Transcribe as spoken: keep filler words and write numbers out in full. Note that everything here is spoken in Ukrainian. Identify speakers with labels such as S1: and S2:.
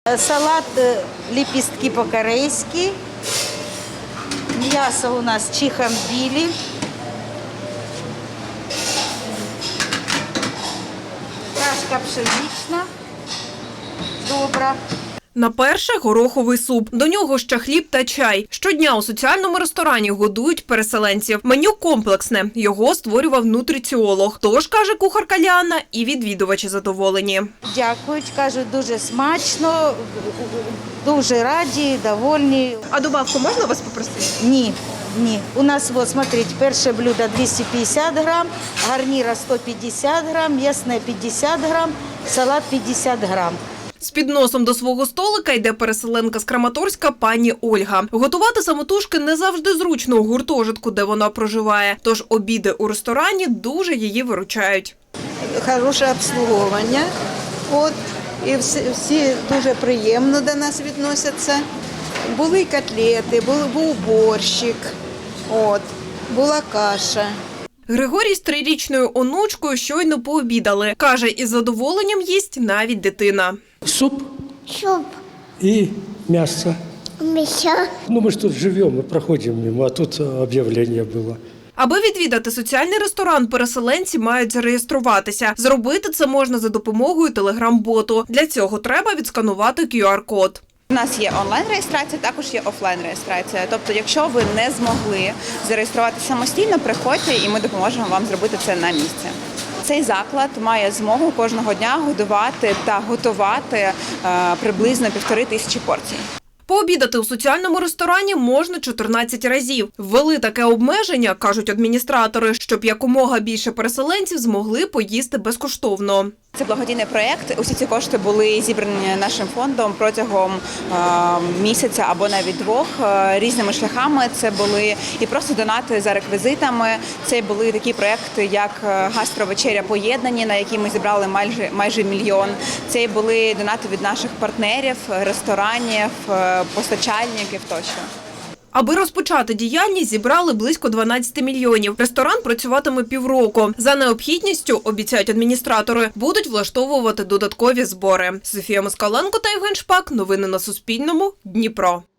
S1: Салат лепестки по-корейски. Мясо у нас чихамбили. Кашка пшенична. Добра.
S2: На перше – гороховий суп. До нього ще хліб та чай. Щодня у соціальному ресторані годують переселенців. Меню комплексне. Його створював нутриціолог. Тож, каже кухарка Ліана, і відвідувачі задоволені.
S1: Дякують, кажуть, дуже смачно, дуже раді, довольні.
S2: А добавку можна вас попросити?
S1: Ні, ні. У нас, вот, смотрите, перше блюдо двісті п'ятдесят грам, гарніра сто п'ятдесят грам, м'ясне п'ятдесят грам, салат п'ятдесят грам.
S2: З підносом до свого столика йде переселенка з Краматорська пані Ольга. Готувати самотужки не завжди зручно у гуртожитку, де вона проживає. Тож обіди у ресторані дуже її виручають.
S3: Хороше обслуговування, от, і всі, всі дуже приємно до нас відносяться. Були котлети, був, був борщик, от, була каша.
S2: Григорій з трирічною онучкою щойно пообідали. Каже, із задоволенням їсть навіть дитина.
S4: Суп
S5: Суп,
S4: и мясо.
S5: мясо,
S4: Ну, мы же тут живем, мы проходим мимо, а тут объявление было.
S2: Аби відвідати соціальний ресторан, переселенці мають зареєструватися. Зробити це можна за допомогою телеграм-боту. Для цього треба відсканувати кю ар код.
S6: У нас є онлайн-реєстрація, також є офлайн-реєстрація. Тобто, якщо ви не змогли зареєструватися самостійно, приходьте і ми допоможемо вам зробити це на місці. Цей заклад має змогу кожного дня годувати та готувати е, приблизно півтори тисячі порцій.
S2: Пообідати у соціальному ресторані можна чотирнадцять разів. Ввели таке обмеження, кажуть адміністратори, щоб якомога більше переселенців змогли поїсти безкоштовно.
S6: Це благодійний проєкт. Усі ці кошти були зібрані нашим фондом протягом е, місяця або навіть двох е, різними шляхами. Це були і просто донати за реквізитами. Це були такі проєкти, як гастровечеря поєднані, на які ми зібрали майже майже мільйон. Це були донати від наших партнерів, ресторанів, е, постачальників тощо.
S2: Аби розпочати діяльність, зібрали близько дванадцять мільйонів. Ресторан працюватиме півроку. За необхідністю, обіцяють адміністратори, будуть влаштовувати додаткові збори. Софія Москаленко та Євген Шпак. Новини на Суспільному. Дніпро.